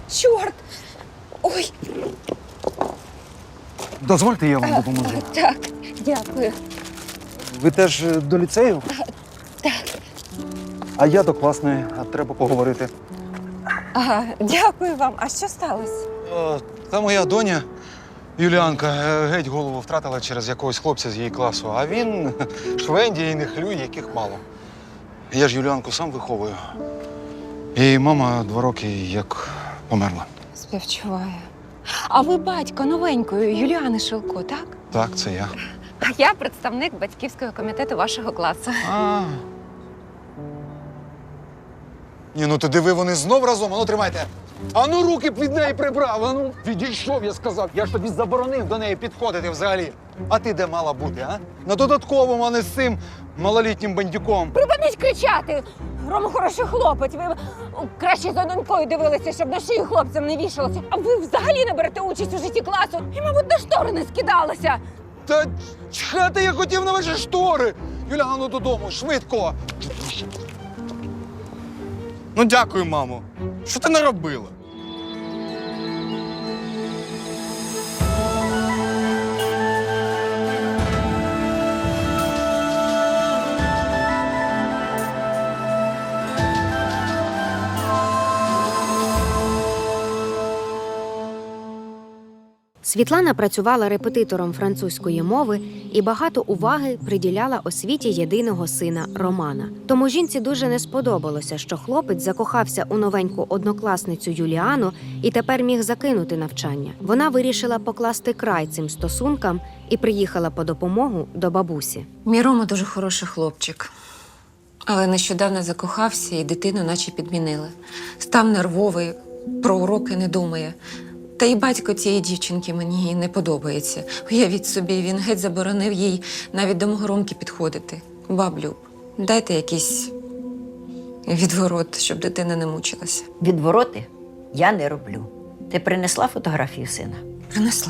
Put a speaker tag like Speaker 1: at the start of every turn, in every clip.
Speaker 1: чорт! Ой,
Speaker 2: Дозвольте, я вам допоможу.
Speaker 1: так, дякую.
Speaker 2: Ви теж до ліцею?
Speaker 1: Так.
Speaker 2: А я до класної, а треба поговорити.
Speaker 1: Ага, дякую вам. А що сталося?
Speaker 2: Та моя доня Юліанка геть голову втратила через якогось хлопця з її класу, а він швендіє і не хлює, яких мало. Я ж Юліанку сам виховую. І мама 2 роки як померла.
Speaker 1: Співчуваю. А ви батько новенької Юліани Шилко, так?
Speaker 2: Так, це я.
Speaker 1: А я представник батьківського комітету вашого класу.
Speaker 2: Ні, ну ти диви, вони знов разом, ану тримайте. Ану руки б від неї прибрав, ану відійшов, я сказав. Я ж тобі заборонив до неї підходити взагалі. А ти де мала бути, а? На додатковому, а не з цим малолітнім бандюком.
Speaker 1: Припиніть кричати! Рома хороший хлопець. Ви краще за донькою дивилися, щоб на шию хлопцям не вішалося. А ви взагалі не берете участь у житті класу і, мабуть, на штори не скидалися.
Speaker 2: Та чхати я хотів на ваші штори. Юля, ну додому, швидко.
Speaker 3: Ну, дякую, мамо. Що ти наробила?
Speaker 4: Світлана працювала репетитором французької мови і багато уваги приділяла освіті єдиного сина Романа. Тому жінці дуже не сподобалося, що хлопець закохався у новеньку однокласницю Юліану і тепер міг закинути навчання. Вона вирішила покласти край цим стосункам і приїхала по допомогу до бабусі.
Speaker 5: Мій Рома дуже хороший хлопчик. Але нещодавно закохався і дитину наче підмінили. Став нервовий, про уроки не думає. Та й батько цієї дівчинки мені не подобається. Уявіть собі, він геть заборонив їй навіть до мого Ромки підходити. Баблю, дайте якийсь відворот, щоб дитина не мучилася.
Speaker 6: Відвороти я не роблю. Ти принесла фотографію сина?
Speaker 5: Принесла.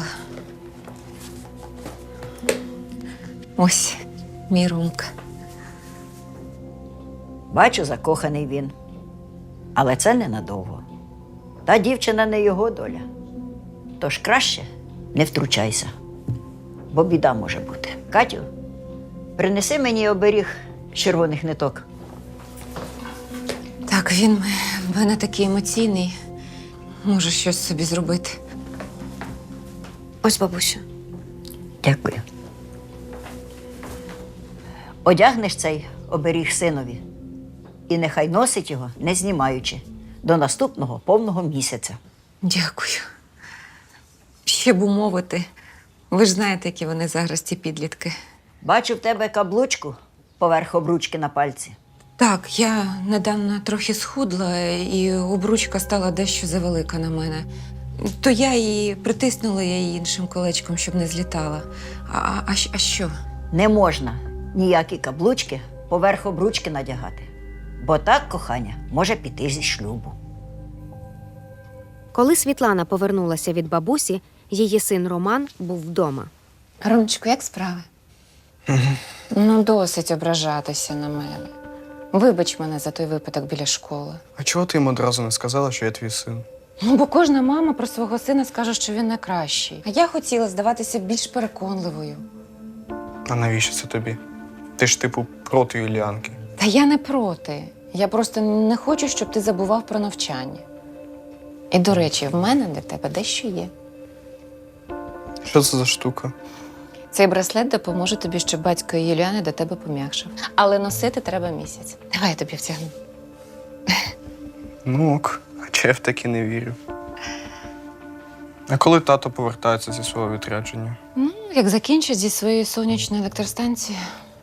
Speaker 5: Ось мій Ромка.
Speaker 6: Бачу, закоханий він. Але це ненадовго. Та дівчина не його доля. Тож краще не втручайся, бо біда може бути. Катю, принеси мені оберіг з червоних ниток.
Speaker 5: Так, він в мене такий емоційний. Може щось собі зробити.
Speaker 4: Ось, бабусю.
Speaker 6: Дякую. Одягнеш цей оберіг синові і нехай носить його, не знімаючи, до наступного повного місяця.
Speaker 5: Дякую. Ще б умовити. Ви ж знаєте, які вони зараз, ці підлітки.
Speaker 6: Бачу в тебе каблучку поверх обручки на пальці.
Speaker 5: Так, я недавно трохи схудла, і обручка стала дещо завелика на мене. То я її притиснула іншим колечком, щоб не злітала. А що?
Speaker 6: Не можна ніякі каблучки поверх обручки надягати, бо так кохання може піти зі шлюбу.
Speaker 4: Коли Світлана повернулася від бабусі, її син Роман був вдома.
Speaker 5: Ромчику, як справи? Ну, досить ображатися на мене. Вибач мене за той випадок біля школи.
Speaker 3: А чого ти їм одразу не сказала, що я твій син?
Speaker 5: Ну, бо кожна мама про свого сина скаже, що він найкращий. А я хотіла здаватися більш переконливою.
Speaker 3: А навіщо це тобі? Ти ж, типу, проти Юліанки.
Speaker 5: Та я не проти. Я просто не хочу, щоб ти забував про навчання. І, до речі, в мене для тебе дещо є.
Speaker 3: Що це за штука?
Speaker 5: Цей браслет допоможе тобі, щоб батько Юліани до тебе пом'якшив. Але носити треба місяць. Давай я тобі втягну.
Speaker 3: Ну ок, хоча я в таки не вірю. А коли тато повертається зі свого відрядження?
Speaker 5: Ну, як закінчить зі своєю сонячною електростанцією.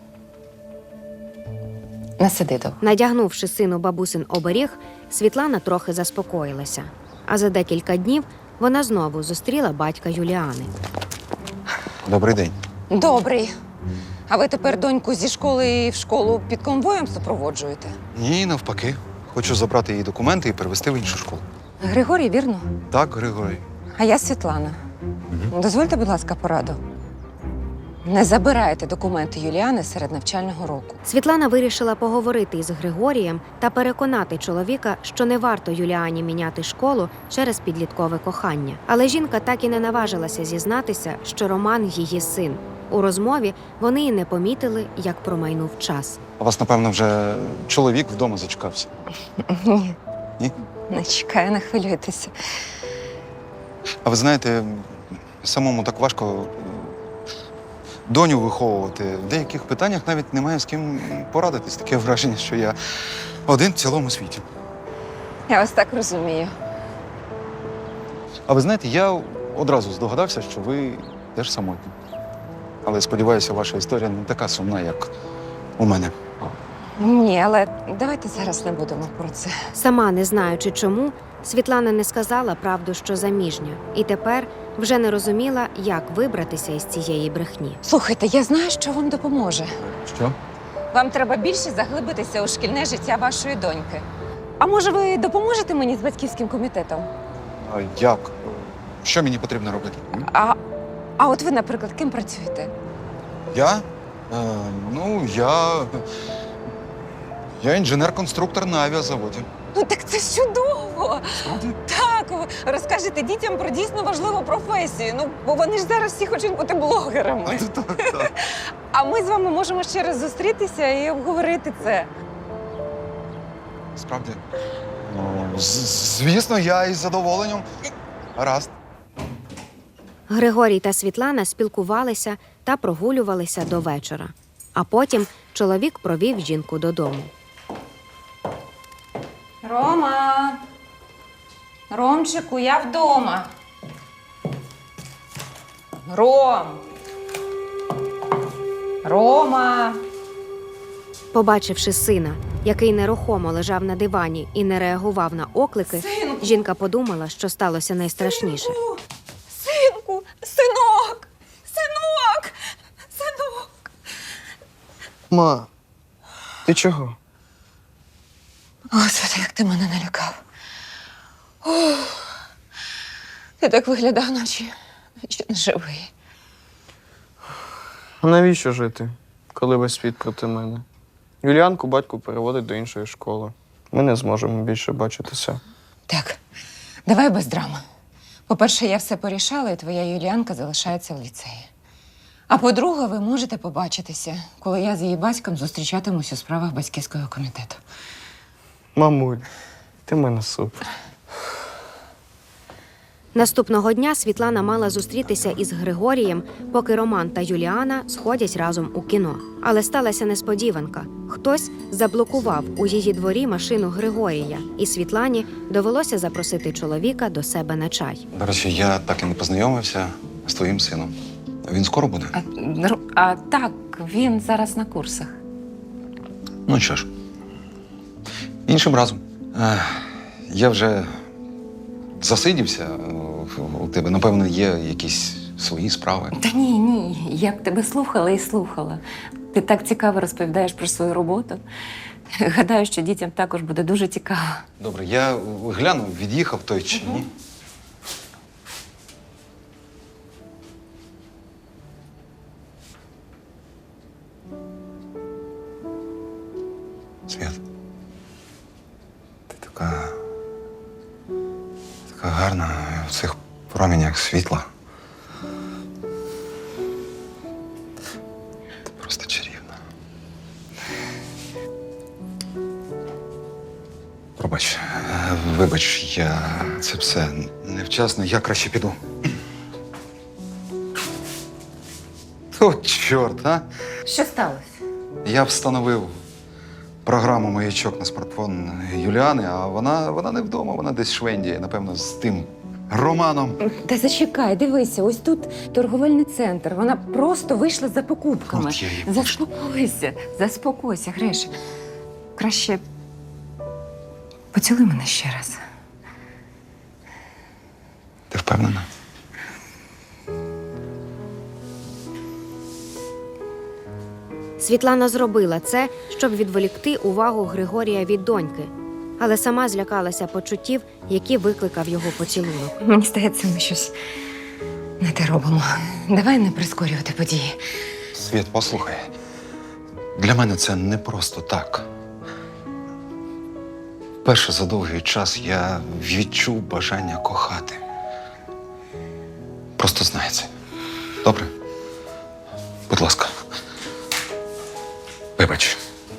Speaker 5: Не сиди довго.
Speaker 4: Надягнувши сину бабусин оберіг, Світлана трохи заспокоїлася. А за декілька днів вона знову зустріла батька Юліани.
Speaker 2: Добрий день.
Speaker 5: Добрий. А ви тепер доньку зі школи в школу під конвоєм супроводжуєте?
Speaker 2: Ні, навпаки. Хочу забрати її документи і перевести в іншу школу.
Speaker 5: Григорій, вірно?
Speaker 2: Так, Григорій.
Speaker 5: А я Світлана. Дозвольте, будь ласка, пораду. Не забирайте документи Юліани серед навчального року.
Speaker 4: Світлана вирішила поговорити із Григорієм та переконати чоловіка, що не варто Юліані міняти школу через підліткове кохання. Але жінка так і не наважилася зізнатися, що Роман її син. У розмові вони і не помітили, як промайнув час.
Speaker 2: У вас, напевно, вже чоловік вдома зачекався.
Speaker 5: Ні.
Speaker 2: Ні?
Speaker 5: Не чекаю, не хвилюйтеся.
Speaker 2: А ви знаєте, самому так важко доню виховувати. В деяких питаннях навіть немає з ким порадитись. Таке враження, що я один в цілому світі.
Speaker 5: Я вас так розумію.
Speaker 2: А ви знаєте, я одразу здогадався, що ви теж самотні. Але сподіваюся, ваша історія не така сумна, як у мене.
Speaker 5: Ні, але давайте зараз не будемо про це.
Speaker 4: Сама не знаючи чому, Світлана не сказала правду, що заміжня, і тепер вже не розуміла, як вибратися із цієї брехні.
Speaker 5: Слухайте, я знаю, що вам допоможе.
Speaker 2: Що?
Speaker 5: Вам треба більше заглибитися у шкільне життя вашої доньки. А може, ви допоможете мені з батьківським комітетом?
Speaker 2: А як? Що мені потрібно робити?
Speaker 5: А от ви, наприклад, ким працюєте?
Speaker 2: Я? Я інженер-конструктор на авіазаводі.
Speaker 5: Ну так це чудово! Так, ви розкажете дітям про дійсно важливу професію. Ну, бо вони ж зараз всі хочуть бути блогерами.
Speaker 2: Так.
Speaker 5: А ми з вами можемо ще раз зустрітися і обговорити це.
Speaker 2: Справді? Звісно, я із задоволенням. Гаразд.
Speaker 4: Григорій та Світлана спілкувалися та прогулювалися до вечора. А потім чоловік провів жінку додому.
Speaker 5: Рома! Ромчику, я вдома. Рома!
Speaker 4: Побачивши сина, який нерухомо лежав на дивані і не реагував на оклики,
Speaker 5: Синку!
Speaker 4: жінка подумала, що сталося найстрашніше.
Speaker 5: Синку! Синок!
Speaker 3: Ма, ти чого?
Speaker 5: Господи, як ти мене налякав. Ти так виглядав, наче не живий.
Speaker 3: А навіщо жити, коли весь світ проти мене? Юліанку батько переводить до іншої школи. Ми не зможемо більше бачитися.
Speaker 5: Так, давай без драми. По-перше, я все порішала, і твоя Юліанка залишається в ліцеї. А по-друге, ви можете побачитися, коли я з її батьком зустрічатимусь у справах батьківського комітету.
Speaker 3: Мамуль, ти в мене супер.
Speaker 4: Наступного дня Світлана мала зустрітися із Григорієм, поки Роман та Юліана сходять разом у кіно. Але сталася несподіванка. Хтось заблокував у її дворі машину Григорія, і Світлані довелося запросити чоловіка до себе на чай.
Speaker 2: До речі, я так і не познайомився з твоїм сином. Він скоро буде?
Speaker 5: А так, він зараз на курсах.
Speaker 2: Ну що ж, іншим разом. Я вже засидівся у тебе. Напевно, є якісь свої справи.
Speaker 5: Та ні, я б тебе слухала і слухала. Ти так цікаво розповідаєш про свою роботу. Гадаю, що дітям також буде дуже цікаво.
Speaker 2: Добре, я гляну, від'їхав той чи ні. Свят, ти така гарна в цих промінях світла. Ти просто чарівна. Вибач, я це все невчасно, я краще піду. О, чорт, а?
Speaker 5: Що сталося?
Speaker 2: Я встановив програму маячок на смартфон Юліани, а вона не вдома, вона десь швендіє, напевно, з тим Романом.
Speaker 5: Та зачекай, дивися, ось тут торговельний центр. Вона просто вийшла за покупками.
Speaker 2: От я її
Speaker 5: Заспокойся, Гриш. Краще поцілуй мене ще раз.
Speaker 2: Ти впевнена?
Speaker 4: Світлана зробила це, щоб відволікти увагу Григорія від доньки, але сама злякалася почуттів, які викликав його поцілунок.
Speaker 5: Мені здається, ми щось не те робимо. Давай не прискорювати події.
Speaker 2: Світ, послухай. Для мене це не просто так. Вперше за довгий час я відчув бажання кохати. Просто знай це. Добре? Будь ласка. Вибач.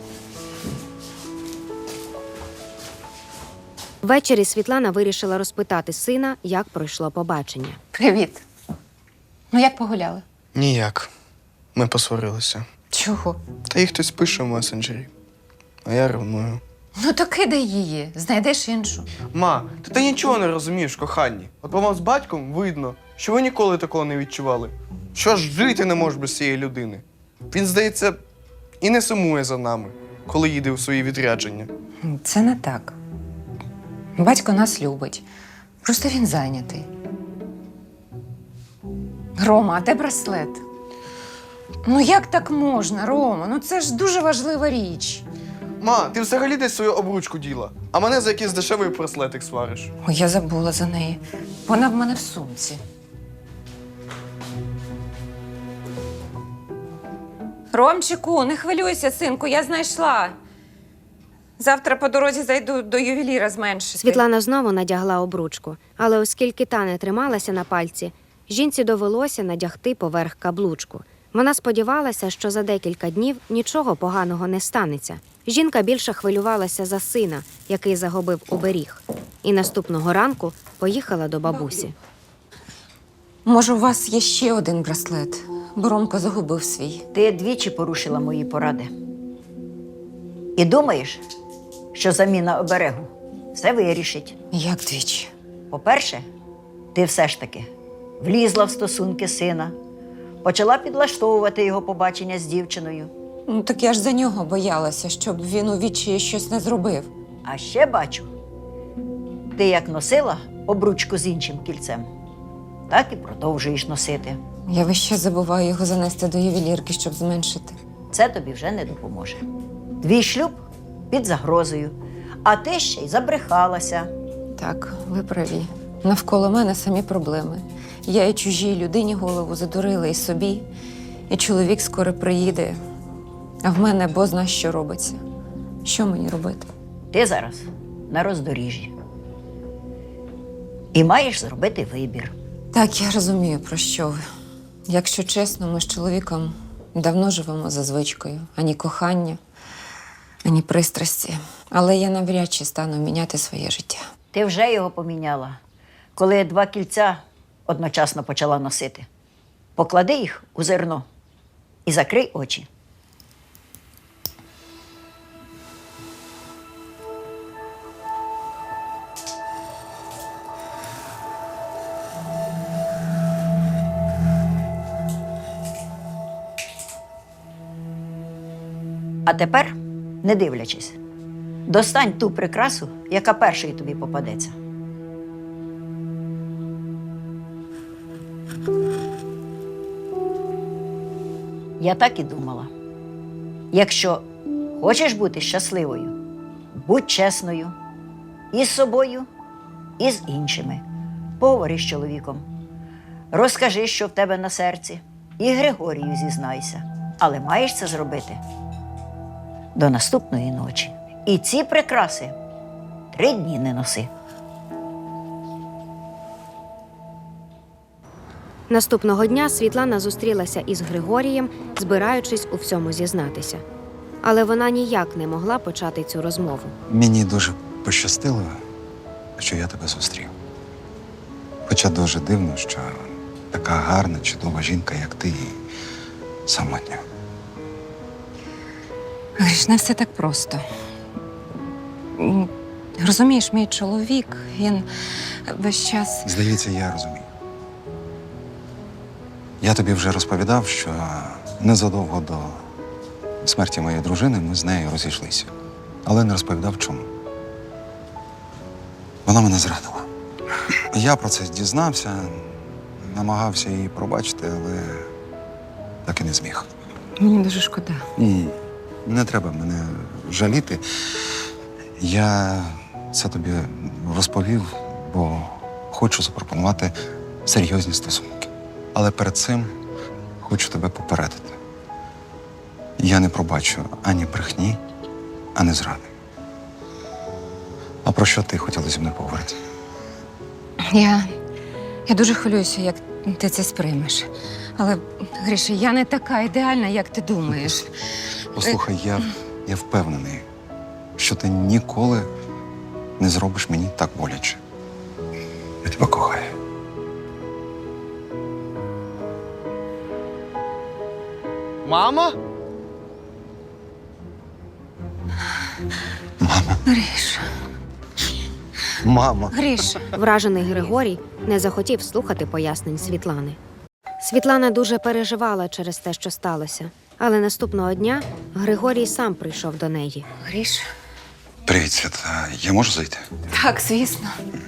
Speaker 4: Ввечері Світлана вирішила розпитати сина, як пройшло побачення.
Speaker 5: Привіт. Ну, як погуляли?
Speaker 3: Ніяк. Ми посварилися.
Speaker 5: Чого?
Speaker 3: Та їй хтось пише в месенджері. А я ревную.
Speaker 5: Ну, то кидай її, знайдеш іншу.
Speaker 3: Ма, ти нічого не розумієш, коханні. От по вам з батьком видно, що ви ніколи такого не відчували. Що ж жити не можеш без цієї людини. Він, здається, і не сумує за нами, коли їде у свої відрядження.
Speaker 5: Це не так. Батько нас любить. Просто він зайнятий. Рома, а де браслет? Ну як так можна, Рома? Ну це ж дуже важлива річ.
Speaker 3: Ма, ти взагалі десь свою обручку діла, а мене за якийсь дешевий браслетик свариш.
Speaker 5: Ой, я забула за неї. Вона в мене в сумці. Ромчику, не хвилюйся, синку, я знайшла. Завтра по дорозі зайду до ювеліра зменшити.
Speaker 4: Світлана знову надягла обручку, але оскільки та не трималася на пальці, жінці довелося надягти поверх каблучку. Вона сподівалася, що за декілька днів нічого поганого не станеться. Жінка більше хвилювалася за сина, який загубив оберіг. І наступного ранку поїхала до бабусі.
Speaker 5: Може, у вас є ще один браслет, бо Ромко загубив свій.
Speaker 6: Ти двічі порушила мої поради. І думаєш, що заміна оберегу все вирішить.
Speaker 5: Як двічі?
Speaker 6: По-перше, ти все ж таки влізла в стосунки сина, почала підлаштовувати його побачення з дівчиною.
Speaker 5: Ну, так я ж за нього боялася, щоб він у відчаї щось не зробив.
Speaker 6: А ще бачу, ти як носила обручку з іншим кільцем, так і продовжуєш носити.
Speaker 5: Я весь час забуваю його занести до ювелірки, щоб зменшити.
Speaker 6: Це тобі вже не допоможе. Твій шлюб під загрозою, а ти ще й забрехалася.
Speaker 5: Так, ви праві. Навколо мене самі проблеми. Я і чужій людині голову задурила, і собі. І чоловік скоро приїде, а в мене бозна що робиться. Що мені робити?
Speaker 6: Ти зараз на роздоріжжі. І маєш зробити вибір.
Speaker 5: Так, я розумію, про що ви. Якщо чесно, ми з чоловіком давно живемо за звичкою. Ані кохання, ані пристрасті. Але я навряд чи стану міняти своє життя.
Speaker 6: Ти вже його поміняла, коли 2 кільця одночасно почала носити. Поклади їх у зерно і закрий очі. А тепер, не дивлячись, достань ту прикрасу, яка першою тобі попадеться. Я так і думала. Якщо хочеш бути щасливою, будь чесною і з собою, і з іншими. Поговори з чоловіком. Розкажи, що в тебе на серці, і Григорію зізнайся. Але маєш це зробити до наступної ночі. І ці прикраси 3 дні не носи.
Speaker 4: Наступного дня Світлана зустрілася із Григорієм, збираючись у всьому зізнатися. Але вона ніяк не могла почати цю розмову.
Speaker 2: Мені дуже пощастило, що я тебе зустрів. Хоча дуже дивно, що така гарна, чудова жінка, як ти, і самотня.
Speaker 5: Гріш, не все так просто. Розумієш, мій чоловік, він весь час.
Speaker 2: Здається, я розумію. Я тобі вже розповідав, що незадовго до смерті моєї дружини ми з нею розійшлися. Але не розповідав, чому. Вона мене зрадила. Я про це дізнався, намагався її пробачити, але так і не зміг.
Speaker 5: Мені дуже шкода.
Speaker 2: Ні, не треба мене жаліти. Я це тобі розповів, бо хочу запропонувати серйозні стосунки. Але перед цим хочу тебе попередити. Я не пробачу ані брехні, ані зради. А про що ти хотіла зі мною поговорити?
Speaker 5: Я дуже хвилююся, як ти це сприймеш. Але, Гриша, я не така ідеальна, як ти думаєш.
Speaker 2: Послухай, я впевнений, що ти ніколи не зробиш мені так боляче. Я тебе кохаю.
Speaker 3: Мама?
Speaker 5: Гриша,
Speaker 2: Мама.
Speaker 5: Гриша.
Speaker 4: Вражений Григорій не захотів слухати пояснень Світлани. Світлана дуже переживала через те, що сталося. Але наступного дня Григорій сам прийшов до неї.
Speaker 5: Гриша.
Speaker 2: Привіт, Свят. Я можу зайти?
Speaker 5: Так, звісно.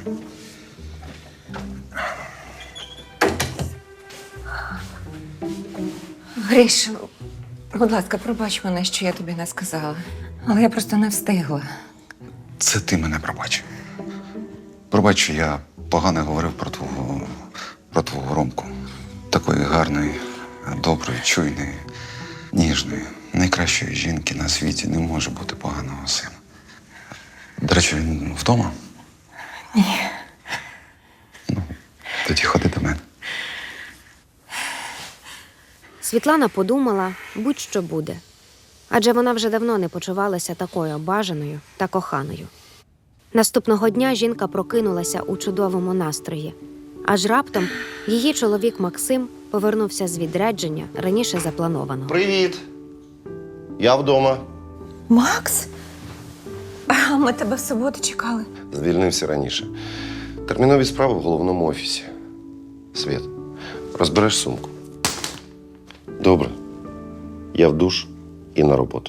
Speaker 5: Гриша, будь ласка, пробач мене, що я тобі не сказала. Але я просто не встигла.
Speaker 2: Це ти мене пробач. Пробач, що я погано говорив про твого Ромку. Такої гарної, доброї, чуйної, ніжної, найкращої жінки на світі не може бути поганого сина. До речі, він вдома?
Speaker 5: Ні.
Speaker 2: Ну, тоді ходи до мене.
Speaker 4: Світлана подумала, будь-що буде. Адже вона вже давно не почувалася такою бажаною та коханою. Наступного дня жінка прокинулася у чудовому настрої. Аж раптом її чоловік Максим повернувся з відрядження раніше запланованого.
Speaker 7: Привіт. Я вдома.
Speaker 5: Макс? А ми тебе в суботу чекали.
Speaker 7: Звільнився раніше. Термінові справи в головному офісі. Світ, розбереш сумку. Добре. Я в душ і на роботу.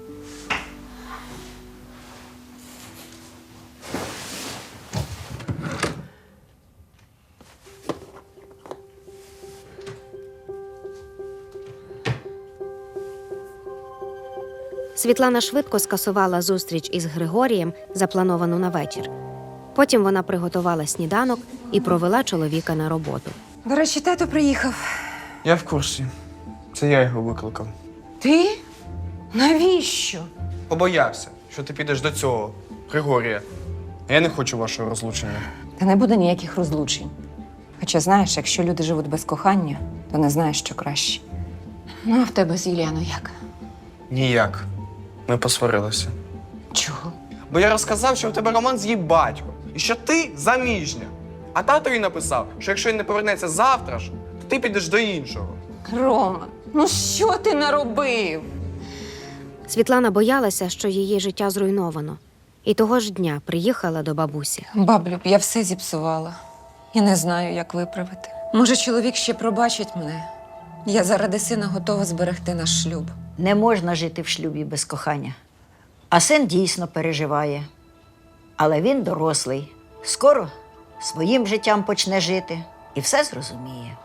Speaker 4: Світлана швидко скасувала зустріч із Григорієм, заплановану на вечір. Потім вона приготувала сніданок і провела чоловіка на роботу.
Speaker 5: До речі, тато приїхав.
Speaker 3: Я в курсі. Це я його викликав.
Speaker 5: Ти? Навіщо?
Speaker 3: Побоявся, що ти підеш до цього, Григорія. А я не хочу вашого розлучення.
Speaker 5: Та не буде ніяких розлучень. Хоча, знаєш, якщо люди живуть без кохання, то не знаєш, що краще. Ну, а в тебе з Юліаною як?
Speaker 3: Ніяк. Ми посварилися.
Speaker 5: Чого?
Speaker 3: Бо я розказав, що в тебе роман з її батьком. І що ти заміжня. А тато їй написав, що якщо він не повернеться завтра ж, то ти підеш до іншого.
Speaker 5: Рома, ну що ти наробив?
Speaker 4: Світлана боялася, що її життя зруйновано. І того ж дня приїхала до бабусі.
Speaker 5: Баблю, я все зіпсувала. І не знаю, як виправити. Може, чоловік ще пробачить мене? Я заради сина готова зберегти наш шлюб.
Speaker 6: Не можна жити в шлюбі без кохання. А син дійсно переживає. Але він дорослий. Скоро своїм життям почне жити і все зрозуміє.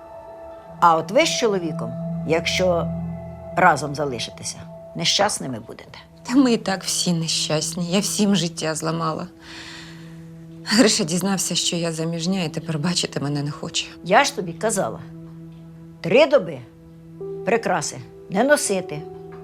Speaker 6: А от ви з чоловіком, якщо разом залишитеся, нещасними будете.
Speaker 5: Та ми і так всі нещасні. Я всім життя зламала. Гриша дізнався, що я заміжня, і тепер бачити мене не хоче.
Speaker 6: Я ж тобі казала, 3 доби прикраси не носити.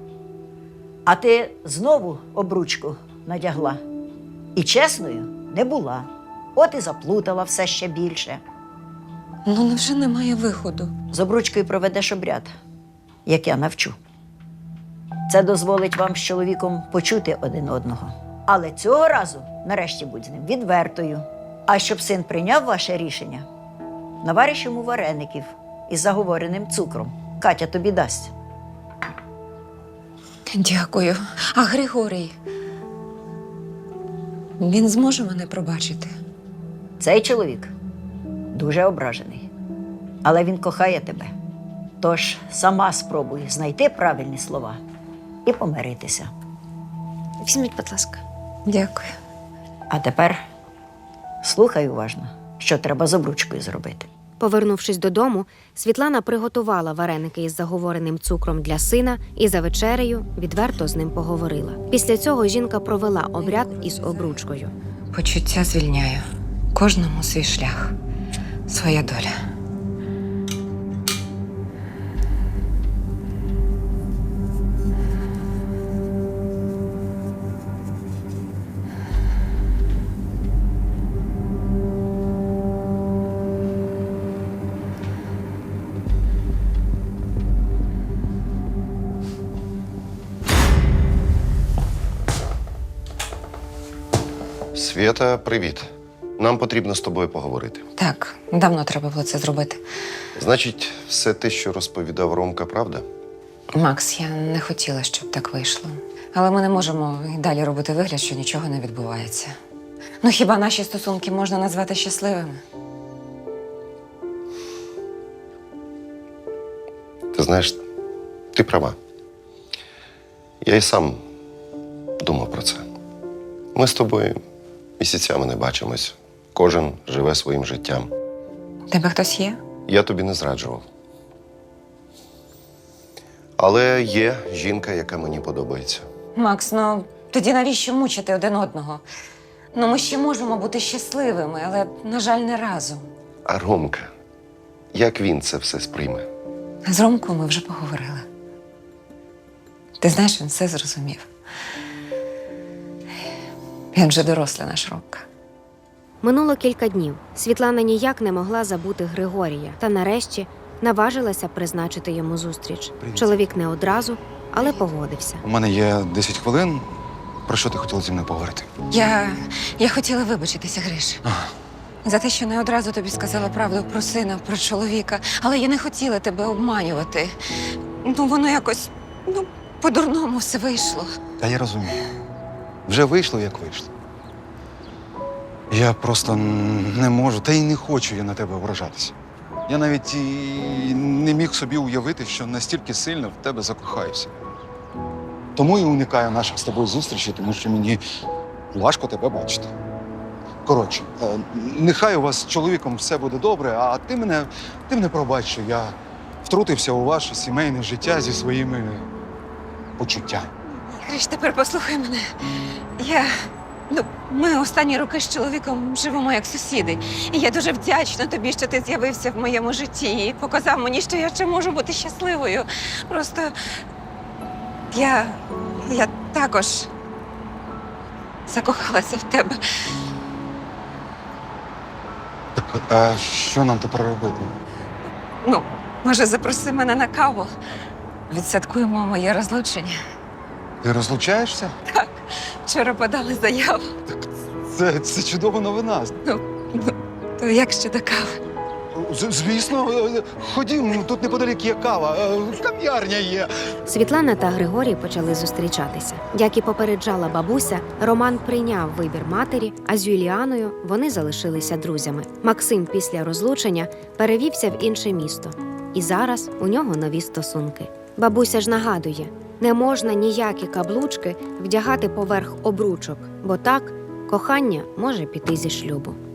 Speaker 6: А ти знову обручку надягла. І чесною не була. От і заплутала все ще більше.
Speaker 5: Ну, невже немає виходу?
Speaker 6: З обручкою проведеш обряд, як я навчу. Це дозволить вам з чоловіком почути один одного. Але цього разу, нарешті, будь з ним відвертою. А щоб син прийняв ваше рішення, навариш йому вареників із заговореним цукром. Катя тобі дасть.
Speaker 5: Дякую. А Григорій? Він зможе мене пробачити?
Speaker 6: Цей чоловік дуже ображений, але він кохає тебе. Тож сама спробуй знайти правильні слова і помиритися.
Speaker 4: Візьміть, будь ласка.
Speaker 5: Дякую.
Speaker 6: А тепер слухай уважно, що треба з обручкою зробити.
Speaker 4: Повернувшись додому, Світлана приготувала вареники із заговореним цукром для сина і за вечерею відверто з ним поговорила. Після цього жінка провела обряд із обручкою.
Speaker 5: Почуття звільняю. Кожному свій шлях, своя доля.
Speaker 7: Свята, привіт. Нам потрібно з тобою поговорити.
Speaker 5: Так, давно треба було це зробити.
Speaker 7: Значить, все те, що розповідав Ромка, правда?
Speaker 5: Макс, я не хотіла, щоб так вийшло. Але ми не можемо і далі робити вигляд, що нічого не відбувається. Ну хіба наші стосунки можна назвати щасливими?
Speaker 7: Ти знаєш, ти права. Я і сам думав про це. Ми з тобою місяцями не бачимось. Кожен живе своїм життям.
Speaker 5: Тебе хтось є?
Speaker 7: Я тобі не зраджував. Але є жінка, яка мені подобається.
Speaker 5: Макс, ну тоді навіщо мучити один одного? Ну ми ще можемо бути щасливими, але, на жаль, не разом.
Speaker 7: А Ромка, як він це все сприйме?
Speaker 5: З Ромкою ми вже поговорили. Ти знаєш, він все зрозумів. Він вже дорослий наш Ромка.
Speaker 4: Минуло кілька днів. Світлана ніяк не могла забути Григорія та нарешті наважилася призначити йому зустріч.
Speaker 2: Привіт.
Speaker 4: Чоловік не одразу, але погодився.
Speaker 2: У мене є 10 хвилин. Про що ти хотіла зі мною поговорити?
Speaker 5: Я хотіла вибачитися, Гриш. За те, що не одразу тобі сказала правду про сина, про чоловіка. Але я не хотіла тебе обманювати. Ну, воно якось, по-дурному все вийшло.
Speaker 2: Та я розумію. Вже вийшло, як вийшло. Я просто не можу, та й не хочу я на тебе ображатися. Я навіть і не міг собі уявити, що настільки сильно в тебе закохаюся. Тому і уникаю наших з тобою зустрічей, тому що мені важко тебе бачити. Коротше, нехай у вас з чоловіком все буде добре, а ти мене пробач, що я втрутився у ваше сімейне життя зі своїми почуттями.
Speaker 5: Гриш, тепер послухай мене. Ми останні роки з чоловіком живемо як сусіди. І я дуже вдячна тобі, що ти з'явився в моєму житті і показав мені, що я ще можу бути щасливою. Просто я також закохалася в тебе.
Speaker 2: Так, а що нам тепер робити?
Speaker 5: Ну, може, запроси мене на каву. Відсвяткуємо моє розлучення.
Speaker 2: Ти розлучаєшся?
Speaker 5: Вчора подали заяву.
Speaker 2: Це чудова новина.
Speaker 5: То як щодо кави?
Speaker 2: Звісно, ходім, тут неподалік є кава, кав'ярня є.
Speaker 4: Світлана та Григорій почали зустрічатися. Як і попереджала бабуся, Роман прийняв вибір матері, а з Юліаною вони залишилися друзями. Максим після розлучення перевівся в інше місто. І зараз у нього нові стосунки. Бабуся ж нагадує, не можна ніякі каблучки вдягати поверх обручок, бо так кохання може піти зі шлюбу.